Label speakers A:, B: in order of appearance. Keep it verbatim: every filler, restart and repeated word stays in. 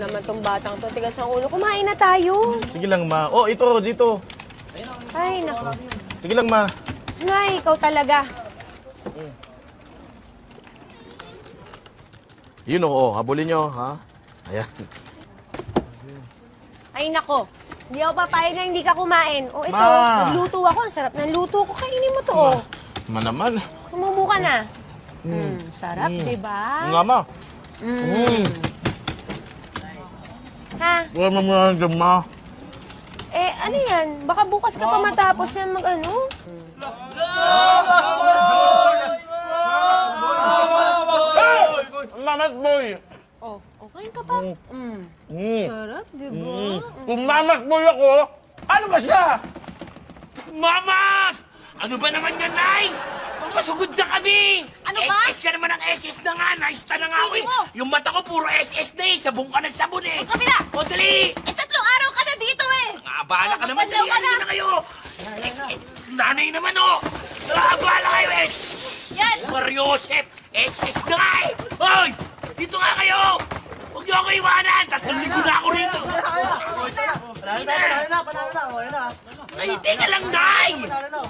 A: Naman tong batang to, tigas ang ulo. Kumain na tayo.
B: Sige lang, ma. Oh, ito, dito.
A: Ay, naku.
B: Sige lang, ma.
A: Nay, ikaw talaga.
B: Yun, oh, habulin nyo, ha? Ayan.
A: Ay, nako. Hindi ako papayag na hindi ka kumain. O, ito,
B: Ma.
A: nagluto ako. Ang sarap ng luto ko. Kainin mo to, oh.
B: Ma naman.
A: Sumubo ka na. Mm, sarap,
B: Mm.
A: di ba?
B: Nga, ma.
A: Mm.
B: Mm.
A: Ha?
B: Wala mo muna dyan, ma.
A: Eh, ano yan? Baka bukas ka pa matapos yan mag ano?
B: Mamat boy.
A: Oh, okay ka pa? Mm.
B: Mm.
A: Sarap, di ba?
B: Mm. Kung mamat boy ako, ano ba siya?
C: Mamas! Ano ba naman yan, Nay? Mamasugod na kami!
D: Ano ba?
C: S S ka naman ng S S na nga, naista na nga ako eh.
D: Tingin mo.
C: Yung mata ko puro S S na eh, sabong ka ng sabon eh.
D: Kabila!
C: O, dali!
D: Eh, tatlong araw ka na dito eh!
C: Nga, bahala ka naman,
D: Magbandaw
C: dali,
D: ka na.
C: ano na kayo? S S, nanay naman oh! Ah, bahala kayo eh!
D: Yan!
C: Mariosep, S S na nga eh! Hoy! Dito nga kayo! Huwag niyo ako iwanan! Tatlong linggo na ako rito!
E: Panalo na, panalo na, panalo na, panalo na.
C: Ay, teka lang, Nay!